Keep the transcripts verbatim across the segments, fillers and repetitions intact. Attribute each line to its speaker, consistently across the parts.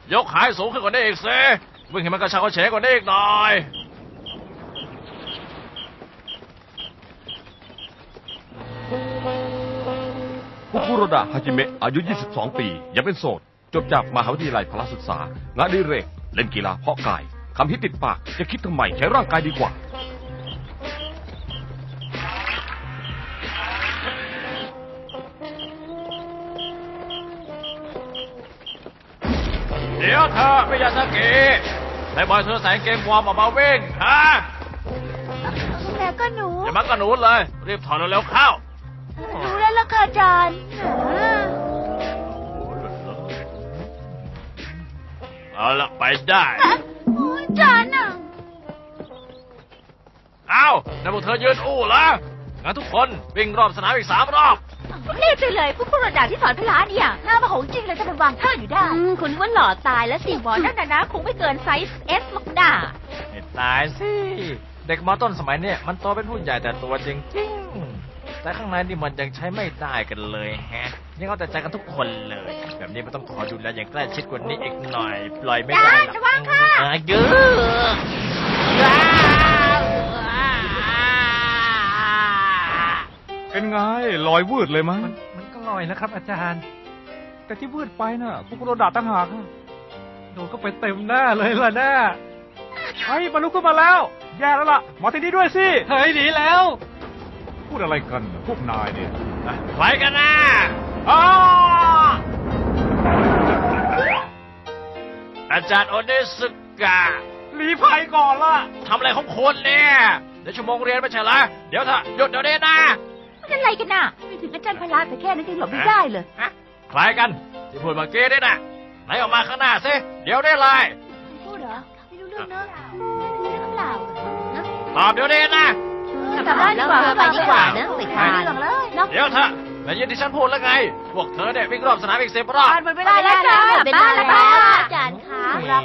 Speaker 1: ยกขายสูงขึ้นกว่านี้อีกสิวิ่งให้มันกระชับกระเฉงกว่านี้อีกหน่อย
Speaker 2: ฟุคุโรดะ ฮาจิเมะ อายุ ยี่สิบสอง ปี ยังเป็นโสด จบจากมหาวิทยาลัยพละศึกษางานอดิเรกเล่นกีฬาเพาะกายคำฮิตติดปากจะคิดทำไมใช้ร่างกายดีกว่า
Speaker 1: เดี๋ยวเธอมิยาซากิได้บอยเธอใส่เกงวอร์มออกมาวิ่งฮะ
Speaker 3: แล้วก็หนู
Speaker 1: อย่ามักกระหนูเลยรีบถอดเร็วๆเข้า
Speaker 3: รู้แล้วล่ะค่ะอาจารย์
Speaker 1: เอาละไปได้
Speaker 3: อาจารย์อ่ะ
Speaker 1: เอาแล้วพวกเธอยืนอู้แล้วงั้นทุกคนวิ่งรอบสนามอีกสามรอบ
Speaker 3: เรียกไปเลยพวกผู้ระดับที่สอนพละเนี่ยหน้ามาของจริงเลยจะเป็นวางท่าอยู่ได้คุณว่าหล่อตายแล้วสิบอลนั่นน่ะนะคงไม่เกินไซส์เอสหรอกนะ
Speaker 1: ไม่ตายสิเด็กมอต้นสมัยเนี่ยมันโตเป็นผู้ใหญ่แต่ตัวจริงๆแต่ข้างในนี่มันยังใช้ไม่ได้กันเลยแฮะยังเอาแต่ใจกันทุกคนเลยแบบนี้มันต้องขอดูแลอย่างใกล้ชิดกว่านี้อีกหน่อยปล่อยไม่ได้หรอกเยอะ
Speaker 4: เป็นไงลอยวืดเลยมั้ย
Speaker 5: มันก็ลอยนะครับอาจารย์
Speaker 4: แต่ที่วืดไปน่ะฟุกุโรดะตั้งหาก
Speaker 5: โดนก็ไปเต็มหน้าเลยล่ะหน้า
Speaker 4: เฮ้ยมาลุกขึ้นมาแล้วแย่แล้วล่ะมาที่นี่ด้วยสิ
Speaker 5: เฮ้ยหนีแล้ว
Speaker 4: พูดอะไรกันพวกนายเนี่ย
Speaker 1: ไปกันนะอาจารย์โอเนสึกะ
Speaker 4: หลีภัยก่อนล่ะ
Speaker 1: ทำอะไรของคนเนี่ยเดี๋ยวชั่วโมงเรียนไม่ใช่เหรอเดี๋ยวเถอะหยุดเดี๋ยวนี้นะ
Speaker 3: มันอะไรกันน่ะไม่ถึงอาจารย์พละแต่แค่นั้นก็หลบไม่ได้เลย
Speaker 1: ใครกันที่พูดเมื่อกี้นี่นะไหนออกมาข้างหน้าสิเดี๋ยวได้เลย
Speaker 3: พูดเหรอไม่รู้เรื่องเนอะไม่รู้เรื่องเปล่า
Speaker 1: ตอบเดี๋ยวนี้นะ
Speaker 3: กลับบ้านดีกว่าไปดีกว่านะสิค่ะ
Speaker 1: เดี๋ยวเถอะแต่ยินที่ฉันพูดแล้วไงพวกเธอเนี่ยวิ่งรอบสนามอีกสิบรอบ
Speaker 3: หมดเวลาแล้วจ้าเป็นบ้านแล้วอาจารย์คะ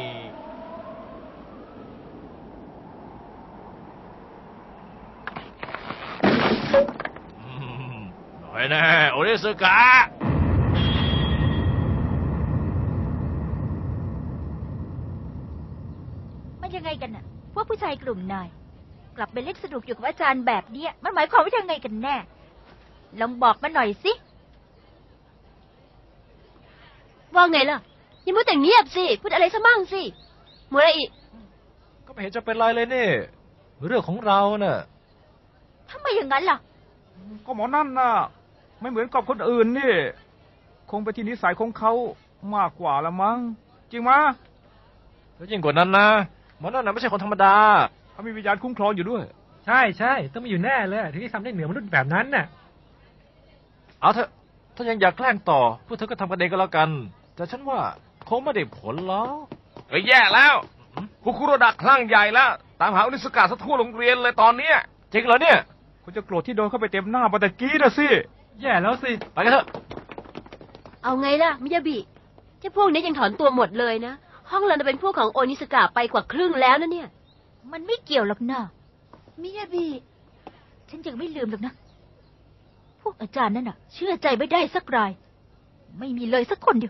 Speaker 1: หน่อยแน่โอริสึกะ
Speaker 3: มันยังไงกันน่ะพวกผู้ชายกลุ่มนายกลับไปเล่นสนุกอยู่กับอาจารย์แบบเนี้ยมันหมายความว่ายังไงกันแน่ลองบอกมาหน่อยสิว่าไงล่ะอย่ามัวแต่เงียบสิพูดอะไรซะมั่งสิมัวอะไรอีก
Speaker 1: ก็ไม่เห็นจะเป็นไรเลยนี่เรื่องของเราเน่ะ
Speaker 3: ทำไมอย่างนั้นล่ะ
Speaker 4: ก็หมอนั่นน่ะไม่เหมือนกับคนอื่นนี่คงไปที่นิสัยของเขามากกว่าละมั้งจริงมั้ย
Speaker 1: แล้วยิ่งกว่านั้นนะหมอนั่นน่ะไม่ใช่คนธรรมดา
Speaker 4: เขามีวิญญาณคุ้มครองอยู่ด้วย
Speaker 5: ใช่ใช่ต้องมีอยู่แน่เลยถึงที่ทำได้เหนือมนุษย์แบบนั้นน่ะ
Speaker 1: เอาเถอะถ้ายังอยากแกล้งต่อพวกเธอก็ทำกันเองก็แล้วกันแต่ฉันว่าคงไม่ได้ผลแล้ว
Speaker 2: เฮ้ยแย่แล้วฟุคุโรดะคลั่งใหญ่แล้วตามหาอนิสกะซะทั่วโรงเรียนเลยตอนนี้
Speaker 1: จริงเหรอเนี่ย
Speaker 4: คุณจะโกรธที่โดนเข้าไปเต็มหน้าปะตะกี้นะสิ
Speaker 5: แย่แล้วสิ
Speaker 1: ไปกันเถอะ
Speaker 3: เอาไงล่ะมิยาบิเจ้าพวกนี้ยังถอนตัวหมดเลยนะห้องเราเป็นพวกของโอนิสกะไปกว่าครึ่งแล้วนะเนี่ยมันไม่เกี่ยวหรอกนะมิยาบิฉันยังไม่ลืมหรอกนะพวกอาจารย์นั่นน่ะเชื่อใจไม่ได้สักรายไม่มีเลยสักคนเดียว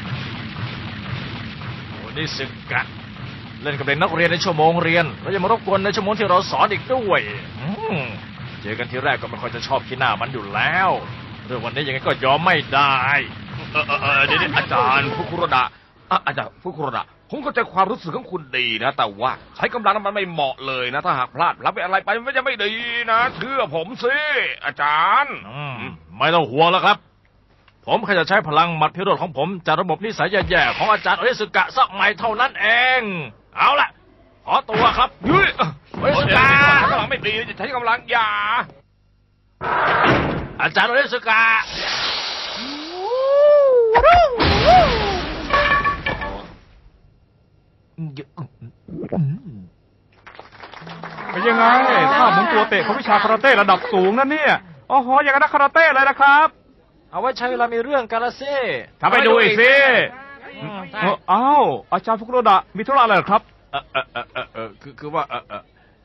Speaker 1: โอนิสกะเล่นกับเด็กนักเรียนในชั่วโมงเรียนแล้วยังมารบกวนในชั่วโมงที่เราสอนอีกด้วยเจอกันทีแรกก็ไม่ค่อยจะชอบขี้หน้ามันอยู่แล้วเรื่องวันนี้ยังไงก็ยอมไม่ได้
Speaker 2: เออเออเดี๋ยวอาจารย์ฟุคุโรดะอาจารย์ฟุคุโรดะผมเข้าใจความรู้สึกของคุณดีนะแต่ว่าใช้กำลังมันไม่เหมาะเลยนะถ้าหากพลาดรับไปอะไรไปมันจะไม่ดีนะเชื่อผมสิอาจารย์
Speaker 1: ไม่ต้องห่วงแล้วครับผมแค่จะใช้พลังหมัดพิโรธของผมจากระบบนิสัยแย่ๆของอาจารย์โอริสึกะสักใหม่เท่านั้นเองเอาล่ะขอตัวครับ
Speaker 2: เฮ้ยโอริสึกะกำลังไม่ดีจะใช้กำลังอย่า
Speaker 1: อาจารย์โอริสึกะ
Speaker 4: เป็นยังไงถ้าเหมือนตัวเตะของวิชาคาราเต้ระดับสูงนั่นเนี่ยอ๋ออย่างนั้นคาราเต้เลยนะครับ
Speaker 1: เอาไว้ใช้เวลามีเรื่องกันละสิ
Speaker 4: ทำไปดูอีกสิอ้าวอาจารย์ฟุกุโรดะมีธุระอะไรครับ
Speaker 1: เออเออเออเออคือคือว่าเออเออ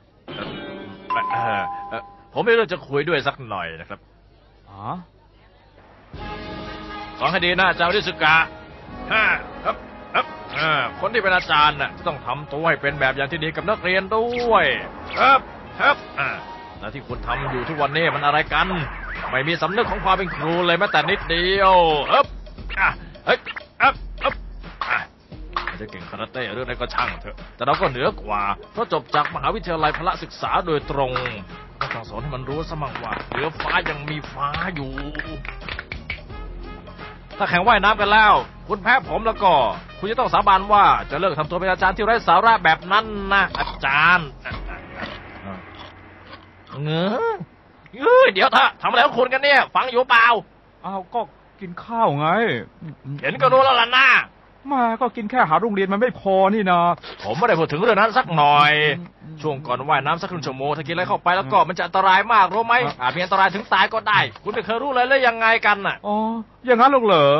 Speaker 1: เออผมมีเรื่องจะคุยด้วยสักหน่อยนะครับ
Speaker 4: อ๋อ
Speaker 1: ฟังให้ดีนะอาจารย์โอริสึกะฮ่าครับครับเออคนที่เป็นอาจารย์น่ะต้องทำตัวให้เป็นแบบอย่างที่ดีกับนักเรียนด้วยครับครับอ่าแล้วที่คุณทำอยู่ทุกวันนี้มันอะไรกัน ไม่มีสำนึกของความเป็นครูเลยแม้แต่นิดเดียวเอ๊บอ่ะเฮ้ยเอ๊บเอ๊บอ่ะจะเก่งคาราเต้เรื่องอะไรก็ช่างเถอะแต่เราก็เหนือกว่าเพราะจบจากมหาวิทยาลัยพละศึกษาโดยตรงก็ต้องสอนให้มันรู้ซะมั่งว่าเหนือฟ้ายังมีฟ้าอยู่ถ้าแข่งว่ายน้ำกันแล้วคุณแพ้ผมแล้วก็คุณจะต้องสาบานว่าจะเลิกทำตัวเป็นอาจารย์ที่ไร้สาระแบบนั้นนะอาจารย์เงอเอ้ยเดี๋ยวเถอะทำอะไรของคุณกันเนี่ยฟังอยู่เปล่า
Speaker 4: อ้าวก็กินข้าวไง
Speaker 1: เห็นก็รู้แล้วล่ะนะ
Speaker 4: มาก็กินแค่หาโรงเรียนมันไม่พอนี่นะ
Speaker 1: ผมไม่ได้พูดถึงเรื่องนั้นสักหน่อย ช่วงก่อนว่ายน้ำสักครึ่งชั่วโมงถ้ากินอะไรเข้าไปแล้วก็มันจะอันตรายมากรู้ไหมอาจมีอันตรายถึงตายก็ได้คุณไม่เคยรู้เลยเลยยังไงกันน่ะ
Speaker 4: อ๋ออย่างนั้นหรอกเหรอ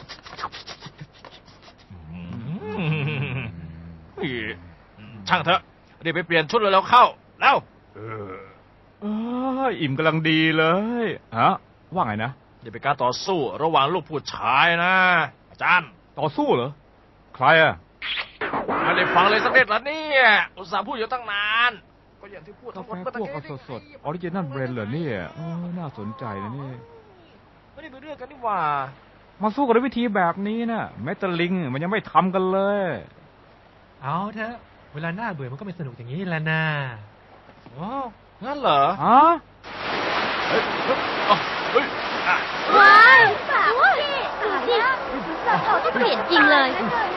Speaker 1: ช่างเถอะเดี๋ยวไปเปลี่ยนชุดเลยแล้วเข้าแล้ว
Speaker 4: เอออิ่มกำลังดีเลยฮะว่าไงนะ
Speaker 1: เดี๋ยวเป็นการต่อสู้ระหว่างลูกผู้ชายนะอาจารย์
Speaker 4: ต่อสู้เหรอใครอะ
Speaker 1: ไม่ได้ฟังเลยสักนิดละเนี่ยอุตส่าห์พูดอยู่ตั้งนานก็อย่างที่พูด
Speaker 4: กา
Speaker 1: ทั้งห
Speaker 4: แฟ
Speaker 1: มด
Speaker 4: พวกเอาสดๆออริจินัลเบรนเหรอเนี่ยเออน่าสนใจนะนี่
Speaker 1: ไม่ได้เป็นเรื่องกันนี่หว่า
Speaker 4: มาสู้กันด้วยวิธีแบบนี้นะแม้แต่ลิงมันยังไม่ทำกันเลย
Speaker 5: เอาเถอะเวลาหน้าเบื่อมันก็ไม่สนุกอย่างนี้แหละนะ
Speaker 1: อ๋องั้นเหรอ
Speaker 4: ฮะ
Speaker 1: เฮ้ยเฮ้ยอ๋อเฮ้ยอ่ะ
Speaker 3: ว้ายสาวพี่ดูสิเขาที่เปลี่ยนจริงเลย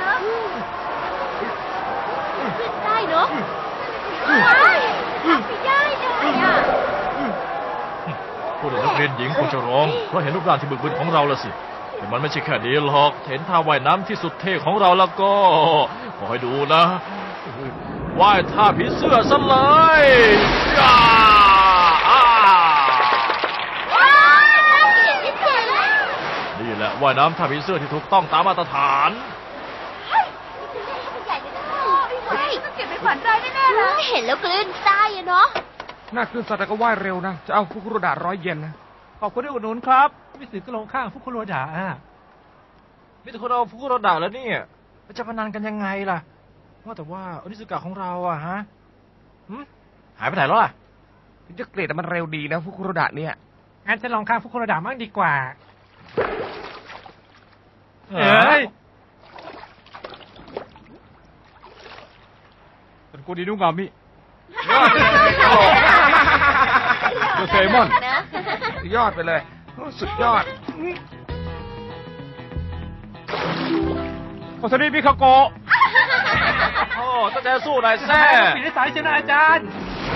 Speaker 3: ได้เนาะว้ายไม่ได้เลยอ่ะ
Speaker 1: พูดถึงนักเรียนหญิงคงจะร้องเพราะเห็นรูปร่างที่บึกบึนของเราละสิแต่มันไม่ใช่แค่นี้หรอกเห็นท่าว่ายน้ำที่สุดเท่ของเราแล้วก็ขอให้ดูนะว่ายท่าผีเสื้อซะเลยย่าอ่า
Speaker 3: ว้ายเปลี่ยนที่เจ๋งเลย
Speaker 1: นี่แหละว่ายน้ำท่าผีเสื้อที่ถูกต้องตามมาตรฐาน
Speaker 3: เฮ้ยใหญ่เลยนะเฮ้ยต้องเก็บเป็นขวัญใจแน่ๆเลยเห็นแล้วกลืนตายอะเนาะ
Speaker 2: น่าคือสัตว์แต่ก็ว่ายเร็วนะ จะเอาฟุกุโรดะร้อยเยนนะ
Speaker 4: ขอบคุณที่อุดหนุนครับ
Speaker 5: มิสึก็ลงข้างฟุคุโรดะอ่ะ
Speaker 1: มิตรคนเอาฟุกุโรดะแล้วเนี่ยจะพนันกันยังไงล่ะว่าแต่ว่าอนิสกะของเราอะฮะหึหายไปไหนแล้วล่ะ
Speaker 2: จะเกรดแต่มันเร็วดีนะฟุกุโรดะเนี่ย
Speaker 5: งั้นจะลองข้างฟุคุโรดะมั่งดีกว่า
Speaker 1: เอ้ย
Speaker 4: เป็นกูดีนุ่งงามิเดอะเซมอน
Speaker 2: ยอดไปเลย สุดยอด
Speaker 4: โอซานิมิคาโกะ
Speaker 1: โอ้ตั้งใจสู้หน่อยแซ่
Speaker 5: ปิดสายเชนะอาจารย์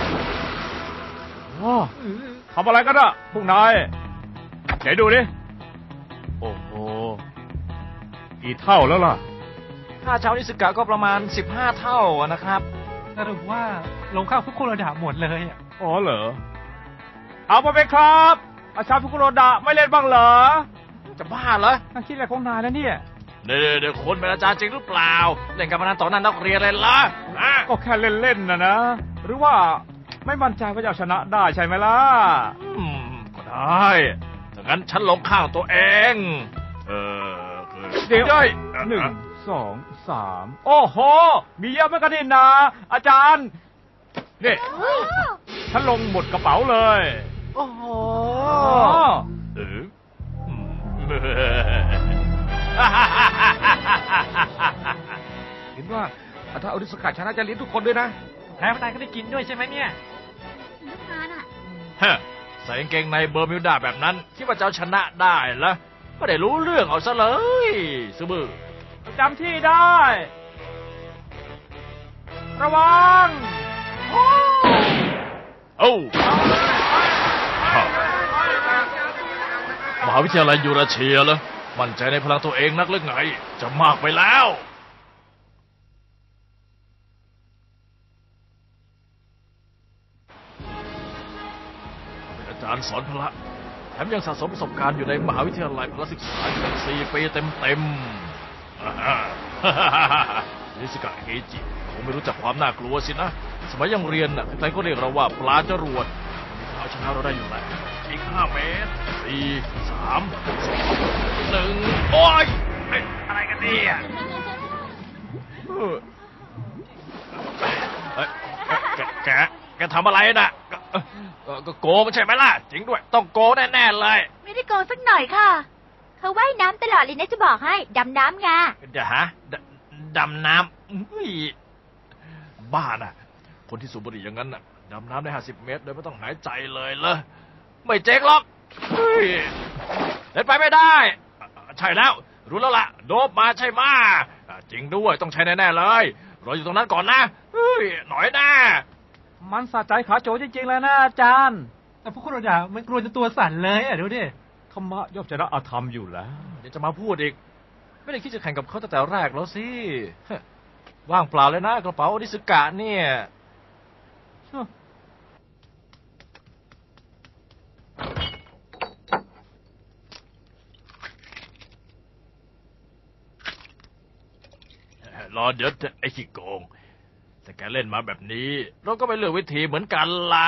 Speaker 4: ว้าทำอะไรกันอะพวกนายไหนดูดิ โอ้โห กี่เท่าแล้วล่ะ
Speaker 1: ค่าเช้านิสกะก็ประมาณสิบห้าเท่านะครับ
Speaker 5: สรุปว่าลงข้างฟุคุโรดะหมดเลยอ่ะ
Speaker 4: อ๋อเหรอ เอาไปไหมครับ อาชาฟุกุโรดะไม่เล่นบ้างเหรอ
Speaker 1: จะบ้าเหรอ
Speaker 4: น่าคิดอะไรของนายแล้วเนี่ย
Speaker 1: เดี๋ยวเดี๋ยวคนเป็นอาจารย์จริงหรือเปล่า เล่นการพนันต่อหน้านักเรียนเลยล่ะอ่ะ
Speaker 4: ก็แค่เล่นๆนะนะ หรือว่าไม่มั่นใจว่าจะเอาชนะได้ใช่ไหมล่ะ
Speaker 1: อืมก็ได้ถ้างั้นฉันลงข้างตัวเอง เออคือ
Speaker 4: เดี๋ยว
Speaker 1: ย้ย
Speaker 4: หนึ่งสองสามโอ้โห มีเยอะเหมือนกันนี่นะ อาจารย์นี่ฉันลงหมดกระเป๋าเลย
Speaker 1: โอ้โห
Speaker 4: อ๋อ
Speaker 1: เอออืม
Speaker 2: เห็นว่าถ้าเอาดิสกัดชนะจะเลี้ยงทุกคนด้วยนะ
Speaker 5: แพ้พนันก็ได้กินด้วยใช่ไหมเนี่ย
Speaker 1: ฮะใส่กางเกงในเบอร์มิวดาแบบนั้นคิดว่าจะเอาชนะได้เหรอไม่ได้รู้เรื่องเอาซะเลยซือบือ
Speaker 4: จำที่ได้ ระวัง
Speaker 1: เอ้า มหาวิทยาลัยยูราเชียเหรอมั่นใจในพลังตัวเองนักหรือไง จะมากไปแล้ว เป็นอาจารย์สอนพละแถมยังสะสมประสบการณ์อยู่ในมหาวิทยาลัยพละศึกษาถึงสี่ปีเต็มๆอ่าฮะ นิสกะเฮจิคงไม่รู้จักความน่ากลัวสินะ สมัยยังเรียนน่ะใครก็เรียกเราว่าปลาจรวดเอาชนะเราได้อยู่แล้วอีกห้าเมตรสี่สามสองหนึ่งโอ้ยเอ้ยอะไรกันเนี่ยเอ้ยแกแกแกทำอะไรน่ะก็ก็โกงใช่ไหมล่ะจริงด้วยต้องโกงแน่ๆเลย
Speaker 3: ไม่ได้โกงสักหน่อยค่ะ เขาว่ายน้ำตลอดเลยนะจะบอกให้ ดำน้ำไง
Speaker 1: เดี๋ยวฮะดดำน้ำอุ้ยบ้าน่ะ คนที่สูบบุหรี่อย่างนั้นน่ะดำน้ำได้ห้าสิบเมตรโดยไม่ต้องหายใจเลยเหรอไม่เจ๊กหรอกเฮ้ยเล่นไปไม่ได้ใช่แล้วรู้แล้วล่ะโดบมาใช่ไหมจริงด้วยต้องใช้แน่ๆเลยรออยู่ตรงนั้นก่อนนะเฮ้ยหน่อยนะ
Speaker 4: มันสะใจขาโจจริงๆเลยนะอาจารย์
Speaker 5: แต่พวกคุณเราด่ามันกลัวจนตัวสั่นเลยอ่ะดูดิ
Speaker 4: ธรรมะย่อมชนะอธรรมอยู่แล้ว
Speaker 1: เดี๋ยวจะมาพูดอีกไม่ได้คิดจะแข่งกับเขาตั้งแต่แรกแล้วสิว่างเปล่าเลยนะกระเป๋าโอนิสกะเนี่ยรอเดี๋ยวไอ้ขี้โกงแต่แกเล่นมาแบบนี้เราก็ไม่เลือกวิธีเหมือนกันละ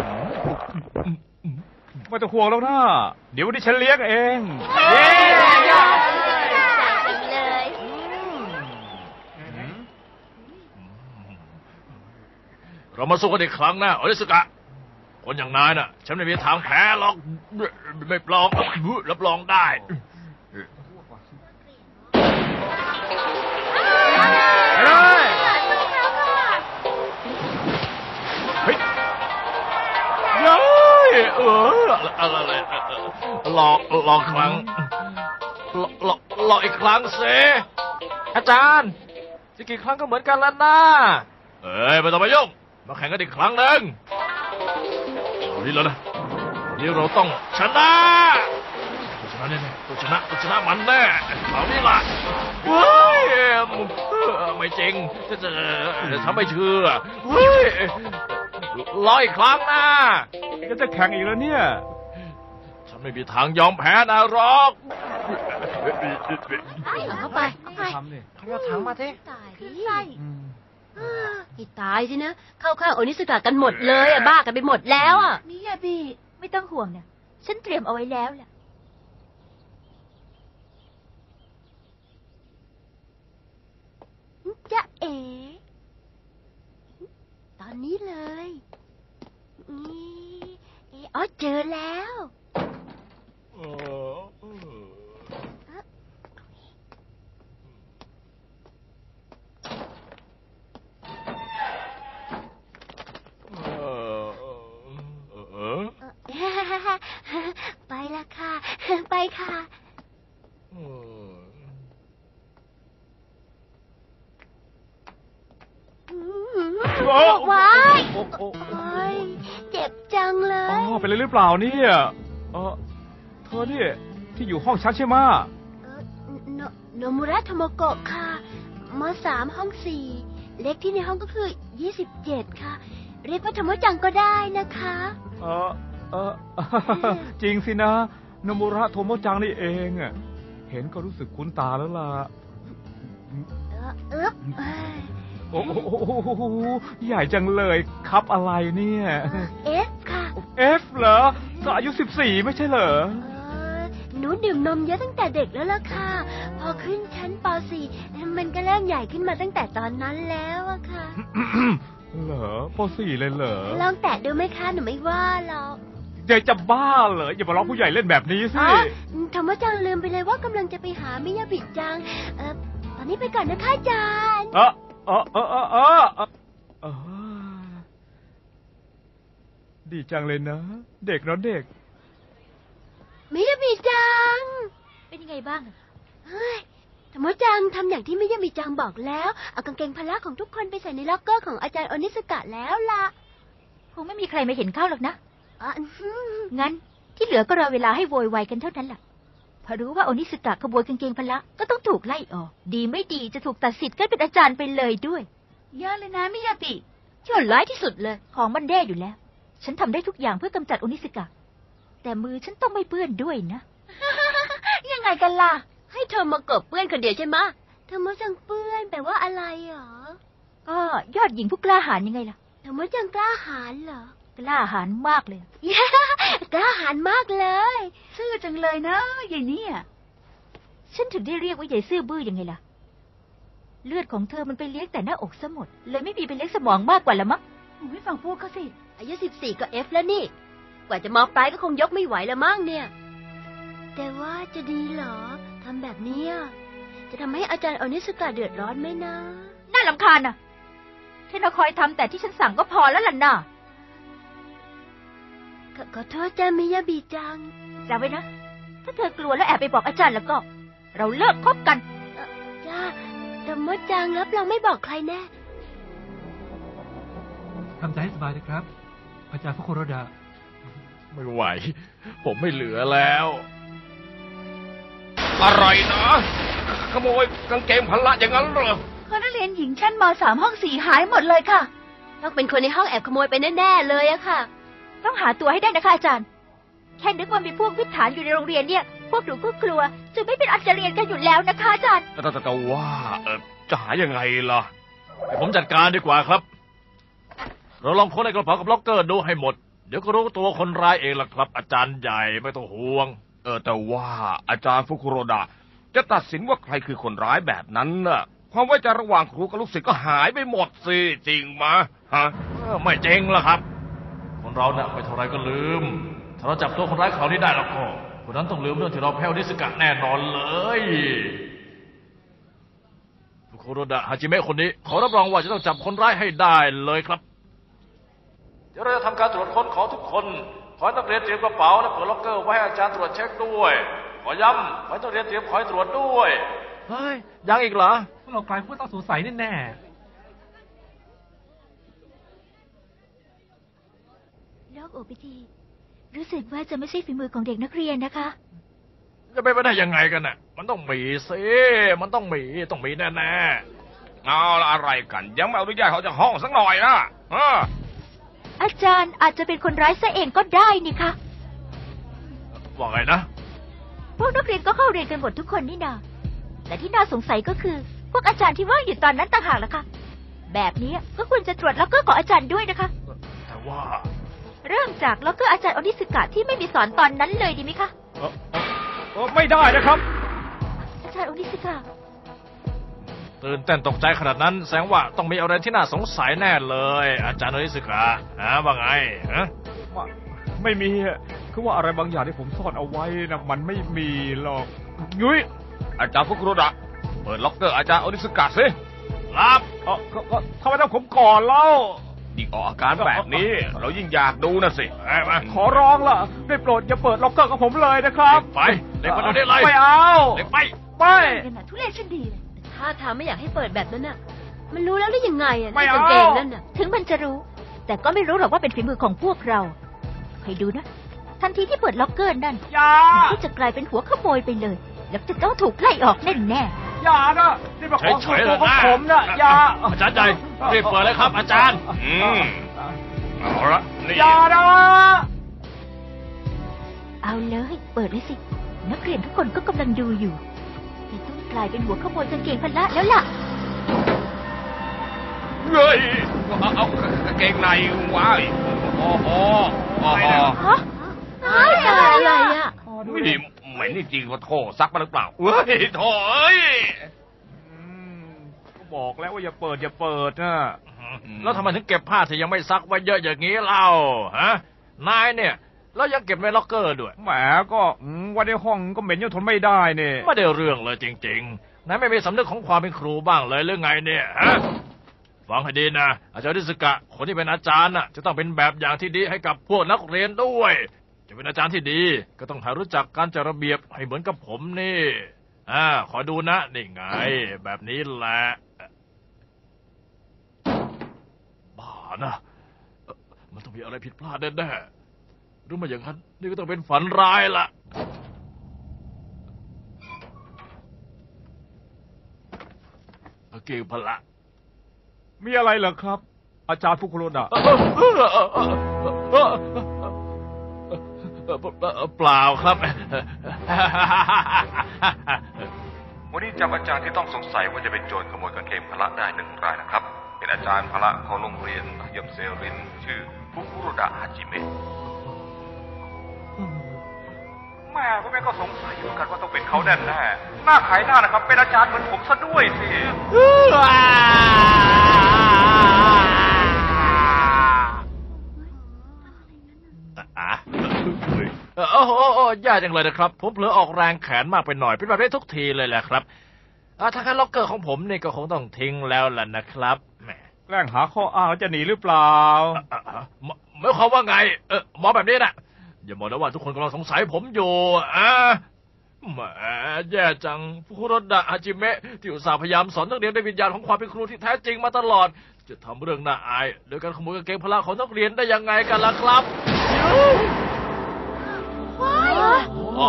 Speaker 4: ไม่ต้องห่วงแล้วนะเดี๋ยววันนี้ฉันเลี้ยงเอง
Speaker 3: เย้เลย
Speaker 1: เรามาสู้กันอีกครั้งนะโอนิสกะคนอย่างนายน่ะฉันไม่มีทางแพ้หรอกไม่ปลองรับรองได้เฮ้ยเย้ยเอออะไรหลอกหลอกครั้งหลอกหลอกหลอกอีกครั้งเสอาจารย์จะกี่ครั้งก็เหมือนกันแล้วนะเอ้ยไม่ต้องมายุ่งมาแข่งกันอีกครั้งหนึ่งเอานี้แล้วนะนี่เราต้องชนะชนะแน่ๆต้องชนะต้องชนะมันแน่เอานี่ล่ะเฮ้ยไม่จริงจะจะทำไม่เชื่อเฮ้ยรออีกครั้งนะ
Speaker 4: ก็จะแข่งอีกแล้วเนี่ย
Speaker 1: ฉันไม่มีทางยอมแพ้นะหรอก
Speaker 3: เอาเข้าไปเข้าไป
Speaker 4: ทำดิ
Speaker 1: ขยับถังมาสิ
Speaker 3: ตายดิให้ตายสินะ เข้าข้างโอนิสกะกันหมดเลยอ่ะบ้ากันไปหมดแล้วอ่ะ
Speaker 6: มิยาบิไม่ต้องห่วงนะฉันเตรียมเอาไว้แล้วล่ะ
Speaker 3: จะเอ๋ตอนนี้เลยนี่เอ๋อ๋อเจอแล้ว ไปละค่ะ ไปค่ะ ว้าย
Speaker 4: โอ้โอ้
Speaker 3: โอ้ยเจ็บจังเล
Speaker 4: อ๋อย เป็นอะไรหรือเปล่าเนี่ยเออเธอเนี่ยที่อยู่ห้องฉันใช่ไหมะ
Speaker 3: เอ่อโนโนมุระโทโมโกะค่ะมสามห้องสี่ เล็กที่ในห้องก็คือยี่สิบเจ็ดค่ะ เรียกว่าโทโมจังก็ได้นะคะ
Speaker 4: เออเออ จริงสินะโนมุระโทโมจังนี่เองอะเห็นก็รู้สึกคุ้นตาแล้วล่ะ
Speaker 3: เออเอ๊บเอ้ย
Speaker 4: โอ้โหใหญ่จังเลยครับอะไรเนี่ย
Speaker 3: เอฟค่ะ
Speaker 4: เอฟเหรอก็อายุสิบสี่ไม่ใช่เหรอ
Speaker 3: เออหนูดื่มนมเยอะตั้งแต่เด็กแล้วล่ะค่ะ พอขึ้นชั้นป สี่มันก็เริ่มใหญ่ขึ้นมาตั้งแต่ตอนนั้นแล้วอะค่ะ
Speaker 4: เหรอปสี่เลยเหรอ
Speaker 3: ลองแตะดูไหมคะหนูไม่ว่าหรอก
Speaker 4: ใหญ่จะบ้าเหรออย่ามาล้อผู้ใหญ่เล่นแบบนี้สิ
Speaker 3: อ๋อธรรมจังลืมไปเลยว่ากำลังจะไปหามิยาบิจัง เออตอนนี้ไปก่อนนะคะอาจารย์
Speaker 4: เออเออเออเออเออเออดีจังเลยนะ เด็กเนาะเด็ก
Speaker 3: มิยาบิจัง
Speaker 6: เป็นยังไงบ้าง
Speaker 3: เฮ้ยธรรมจังทำอย่างที่มิยาบิจังบอกแล้ว เอากางเกงพละของทุกคนไปใส่ในล็อกเกอร์ของอาจารย์โอนิสกะแล้วล่ะ
Speaker 6: คงไม่มีใครมาเห็นเข้าหรอกนะ
Speaker 3: อ๋ออื้อหือ
Speaker 6: งั้นที่เหลือก็รอเวลาให้โวยวายกันเท่านั้นแหละพอรู้ว่าโอนิสกะขโมยกางเกงพละก็ต้องถูกไล่ออก ดีไม่ดีจะถูกตัดสิทธิ์กันเป็นอาจารย์ไปเลยด้วยเยอะเลยนะมิยาบิ
Speaker 3: ชั่วร้ายที่สุดเลย
Speaker 6: ของมันแย่อยู่แล้ว ฉันทำได้ทุกอย่างเพื่อกำจัดโอนิสกะ แต่มือฉันต้องไม่เปื้อนด้วยนะ
Speaker 3: ยังไงกันล่ะ ให้เธอมากบเปื้อนคนเดียวใช่ไหมะธรรมจังเปื้อนแปลว่าอะไรหรอ
Speaker 6: ก็ยอดหญิงผู้กล้าหาญยังไงล่ะ
Speaker 3: ธรรมจังกล้าหาญเหรอ
Speaker 6: กล้าหาญมากเลย
Speaker 3: กล้าหาญมากเลย
Speaker 6: ซื่อจังเลยนะยายเนี่ยฉันถึงได้เรียกว่ายายซื่อบื้อยังไงล่ะเลือดของเธอมันไปเลี้ยงแต่หน้าอกซะหมดเลยไม่มีไปเลี้ยงสมองมากกว่าละมั้งไม่ฟังพูดเขาสิ
Speaker 3: อายุสิบสี่ก็เอฟแล้วนี่ กว่าจะมอปลายก็คงยกไม่ไหวแล้วมั้งเนี่ย แต่ว่าจะดีเหรอทำแบบนี้จะทำให้อาจารย์อนิสกะเดือดร้อนไหมนะ
Speaker 6: น่ารำคาญน่ะเทนคอยทำแต่ที่ฉันสั่งก็พอแล้วล่ะน่ะ
Speaker 3: ขขอโทษจ้ามิยาบิจัง
Speaker 6: จำไว้นะถ้าเธอกลัวแล้วแอบไปบอกอาจารย์แล้วก็ เราเลิกคบกัน
Speaker 3: จ้าแต่มดจังรับเราไม่บอกใครแน่
Speaker 5: ทำใจให้สบายนะครับ อาจารย์ฟุคุโรดะ
Speaker 1: ไม่ไหว ผมไม่เหลือแล้ว
Speaker 2: อะไรนะ ขโมยกางเกงพละอย่างนั้นเหรอ
Speaker 6: คนนักเรียนหญิงชั้นมสามห้องสี่หายหมดเลยค่ะ
Speaker 3: ต้องเป็นคนในห้องแอบขโมยไปแน่ๆเลยอะค่ะ
Speaker 6: ต้องหาตัวให้ได้นะคะอาจารย์ แค่นึกว่ามีพวกวิถฐานอยู่ในโรงเรียนเนี่ย พวกหนูก็กลัวจะไม่เป็นอันจะเรียนกันอยู่แล้วนะคะอาจารย์
Speaker 2: แต่แต่แต่ว่าเออจะหายังไงล่ะ
Speaker 1: เดี๋ยวผมจัดการดีกว่าครับ เราลองค้นในกระเป๋ากับล็อกเกอร์ดูให้หมด เดี๋ยวก็รู้ตัวคนร้ายเองล่ะครับ อาจารย์ใหญ่ไม่ต้องห่วง
Speaker 2: เออแต่ว่าอาจารย์ฟุคุโรดะจะตัดสินว่าใครคือคนร้ายแบบนั้นน่ะ ความไว้ใจระหว่างครูกับลูกศิษย์ก็หายไปหมดสิจริงมะฮะ
Speaker 1: เออไม่จริงล่ะครับ คนเราเนี่ยไม่เท่าไรก็ลืม ถ้าเราจับตัวคนร้ายคราวนี้ได้แล้วก็คนนั้นต้องลืมเรื่องที่เราแพ้วนิสกะแน่นอนเลยฟุคุโรดะฮาจิเมะคนนี้ขอรับรองว่าจะต้องจับคนร้ายให้ได้เลยครับ เดี๋ยวเราจะทำการตรวจค้นของทุกคนขอให้นักเรียนเตรียมกระเป๋าและเปิดล็อกเกอร์ไว้ให้อาจารย์ตรวจเช็คด้วยขอย้ำขอให้นักเรียนเตรียมคอยตรวจด้วยเฮ้ยยังอีกเหรอ
Speaker 5: พวกเรากลายผู้ต้องสงสัยแน่
Speaker 6: โลกโอปิทีรู้สึกว่าจะไม่ใช่ฝีมือของเด็กนักเรียนนะคะ
Speaker 1: จะไปไม่ได้ยังไงกันน่ะมันต้องมีสิมันต้องมีต้องมีแน่
Speaker 2: เอาละอะไรกัน ยังไม่อนุญาตเขาจะห้องสักหน่อยนะเออ
Speaker 6: อาจารย์อาจจะเป็นคนร้ายซะเองก็ได้นี่คะ
Speaker 1: ๆว่าไงนะ
Speaker 6: พวกนักเรียนก็เข้าเรียนกันหมดทุกคนนี่นาแต่ที่น่าสงสัยก็คือ พวกอาจารย์ที่ว่างอยู่ตอนนั้นต่างหากล่ะค่ะแบบนี้ก็ควรจะตรวจล็อกเกอร์ของอาจารย์ด้วยนะคะ
Speaker 1: แต่ว่า
Speaker 6: เริ่มจากล็อกเกอร์อาจารย์อนิสกะที่ไม่มีสอนตอนนั้นเลยดีไหมคะ
Speaker 4: เออเออเออไม่ได้นะครับ
Speaker 6: อาจารย์อนิสกะ
Speaker 1: ตื่นเต้นตกใจขนาดนั้นแสดงว่าต้องมีอะไรที่น่าสงสัยแน่เลย อาจารย์โนริสึกะฮะว่าไงฮะ
Speaker 4: ว่าไม่มีอะคือว่าอะไรบางอย่างที่ผมซ่อนเอาไว้นะมันไม่มีหรอกยุ้ย
Speaker 2: อาจารย์ฟุคุโรดะเปิดล็อกเกอร์อาจารย์อนิสกะสิ
Speaker 1: รับ
Speaker 4: เออก็ก็ทำไมต้องผมก่อนเล่า
Speaker 2: ยิ่งออกอาการแบบนี้ เรายิ่งอยากดูนะสิ
Speaker 1: ไอ้มา
Speaker 4: ขอร้องล่ะได้โปรดอย่าเปิดล็อกเกอร์กับผมเลยนะครับ
Speaker 1: ไปเด็กมาดูได้เลย
Speaker 4: ไม่เอา
Speaker 1: เด็กไป
Speaker 4: ไม่
Speaker 6: กันนะทุเรศชันดีเลย
Speaker 3: ถ้าทางไม่อยากให้เปิดแบบนั้นน่ะ มันรู้แล้วได้ยังไงอ่ะ
Speaker 4: ไม่
Speaker 3: ใน
Speaker 4: เอา
Speaker 3: กางเกงนั่นน่ะ
Speaker 6: ถึงมันจะรู้ แต่ก็ไม่รู้หรอกว่าเป็นฝีมือของพวกเราให้ดูนะ ทันทีที่เปิดล็อกเกอร์นั่น
Speaker 4: อย่า
Speaker 6: มันก็จะกลายเป็นหัวขโมยไปเลย แล้วจะต้องถูกไล่ออกแน่แน่
Speaker 4: อย่านะนี่มาของ
Speaker 1: เฉ
Speaker 4: ส่วน
Speaker 1: ยๆ
Speaker 4: ตัวของ
Speaker 1: นะ
Speaker 4: ผมนะอย่า
Speaker 1: อาจารย์ใหญ่รีบเปิดเลยครับ อาจารย์
Speaker 2: อืมเอาละนี่
Speaker 4: อย่านะ
Speaker 6: ๆเอาเลย เปิดเลยสิ นักเรียนทุกคนก็กำลังดูอยู่จะต้องกลายเป็นหัวขโมยกางเกงพละแล้วล่ะ
Speaker 2: เฮ้ยเอาเอากางเกงในวะโอ้โหโอ้โห
Speaker 6: ฮะ
Speaker 3: อ้าวตายอะไรอ่ะ
Speaker 2: นี่เหม็นจริงๆว่าโถซักมาหรือเปล่าเฮ้ยโถเอ้ย
Speaker 4: อืมก็บอกแล้วว่าอย่าเปิดอย่าเปิดนะ
Speaker 1: แล้วทำไมถึงเก็บผ้าที่ยังไม่ซักไว้เยอะอย่างนี้เล่าฮะนายเนี่ยแล้วยังเก็บในล็อกเกอร์ด้วย
Speaker 4: แหมก็อืมว่าในห้องก็เหม็นจนทนไม่ได้เนี่ย
Speaker 1: ไม่ได้เรื่องเลยจริงๆนายไม่มีสำนึกของความเป็นครูบ้างเลยหรือไงเนี่ยฮะฟังให้ดีนะอาจารย์นิสกะคนที่เป็นอาจารย์น่ะจะต้องเป็นแบบอย่างที่ดีให้กับพวกนักเรียนด้วยจะเป็นอาจารย์ที่ดีก็ต้องหารู้จักการจัดระเบียบให้เหมือนกับผมนี่อ่าขอดูนะนี่ไงแบบนี้แหละบ้านะเอ่อมันต้องมีอะไรผิดพลาดแน่ๆหรือไม่อย่างนั้นนี่ก็ต้องเป็นฝันร้ายละกางเกงพละ
Speaker 4: มีอะไรเหรอครับ อาจารย์ฟุคุโรดะ
Speaker 1: เปล่าครับ
Speaker 7: วันนี้จับอาจารย์ที่ต้องสงสัยว่าจะเป็นโจรขโมยกางเกงพละได้หนึ่งรายนะครับ เป็นอาจารย์พละของโรงเรียนมัธยมเซรินชื่อฟุคุโรดะฮาจิเมะ
Speaker 4: แม่
Speaker 7: ผมเองก็สงสัยเหมือนกันว่าต้องเป็นเขาแน่แน่หน้าขายหน้านะครับ เป็นอาจารย์เหมือนผมซะด้วยสิ
Speaker 1: อ่ะโอ้โหโอ้ยากจังเลยนะครับ ผมเผลอออกแรงแขนมากไปหน่อย เป็นแบบนี้ทุกทีเลยแหละครับอ่ะถ้างั้นล็อกเกอร์ของผมนี่ก็คงต้องทิ้งแล้วล่ะนะครับแหม
Speaker 4: แกล้งหาข้ออ้างแล้วจะหนีหรือเปล่า
Speaker 1: อ่ะอ่ะหมหมายความว่าไง เออหมอแบบนี้นะอย่าบอกนะว่าทุกคนกำลังสงสัยผมอยู่อ่ะแหมแย่จังฟุคุโรดะอาจิเมะที่อุตส่าห์พยายามสอนนักเรียนด้วยวิญญาณของความเป็นครูที่แท้จริงมาตลอด จะทำเรื่องน่าอายโดยการขโมยกางเกงพละของนักเรียนได้ยังไงกันล่ะครับอ๋อ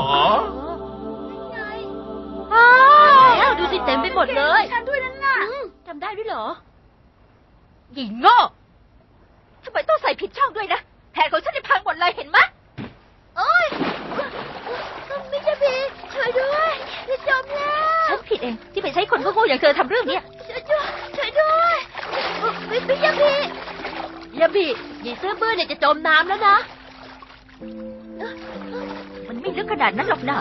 Speaker 3: แล้วดูสิเต็มไปหมดเลย
Speaker 6: ฉันด้วยนั่นน่ะ
Speaker 3: จำได้ด้วยเหรอ
Speaker 6: หญิงโง่ทำไมต้องใส่ผิดช่องด้วยนะแผนของฉันจะพังหมดเลยเห็นไหมโอ้ยไม่ใช่พี่ช่วยด้วยจะจมแล้วฉันผิดเองที่ไปใช้คนโง่ๆอย่างเธอทำเรื่องนี้ช่วยด้วยช่วยด้วยไม่ไม่ใช่พี่
Speaker 3: ยาบิหญิงเสื้อบื้อเนี่ยจะจมน้ำแล้วนะ
Speaker 6: มันไม่ลึกขนาดนั้นหรอกนะ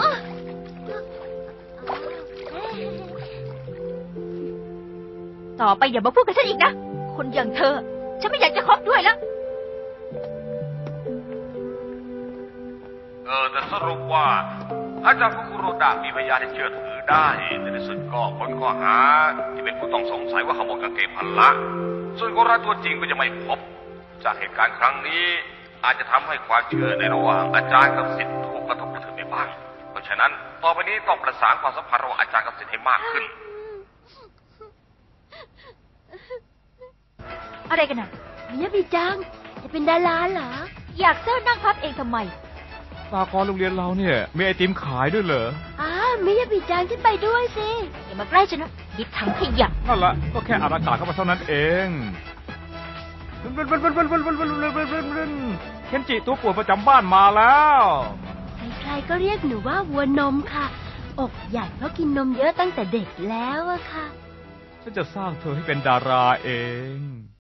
Speaker 6: ต่อไปอย่ามาพูดกับฉันอีกนะคนอย่างเธอฉันไม่อยากจะคบด้วยแล้ว
Speaker 7: เออแต่สรุปว่าอาจารย์ฟุคุโรดะมีพยานที่เชื่อถือได้ในที่สุดก็พ้นข้อหาที่เป็นผู้ต้องสงสัยว่าขโมยกางเกงพละส่วนคนร้ายตัวจริงก็จะไม่พบจากเหตุการณ์ครั้งนี้อาจจะทำให้ความเชื่อในระหว่างอาจารย์กับศิษย์ถูกกระทบกระเทือนไปบ้างเพราะฉะนั้นต่อไปนี้ต้องประสานความสัมพันธ์ระหว่างอาจารย์กับศิษย์ให้มากขึ้น
Speaker 6: อะไรกันน่ะ
Speaker 3: มิยาบิจัง จะเป็นดาราเหรอ
Speaker 6: อยากเซิร์นั่งพับเองทำไม
Speaker 4: สากรณ์โรงเรียนเราเนี่ยมีไอติมขายด้วยเหรอ
Speaker 3: อ้าวมิยาบิจังขึ้นไปด้วยสิ
Speaker 6: อย่ามาใกล้ฉันนะยิบถังขยะ
Speaker 4: นั่นแหละก็แค่อัดอากาศเข้ามาเท่านั้นเองเคนจิตัวป่วนประจำบ้านมาแล้ว
Speaker 3: ใครๆก็เรียกหนูว่าวัวนมค่ะ อกใหญ่เพราะกินนมเยอะตั้งแต่เด็กแล้วอะค่ะ
Speaker 4: ฉันจะสร้างเธอให้เป็นดาราเอง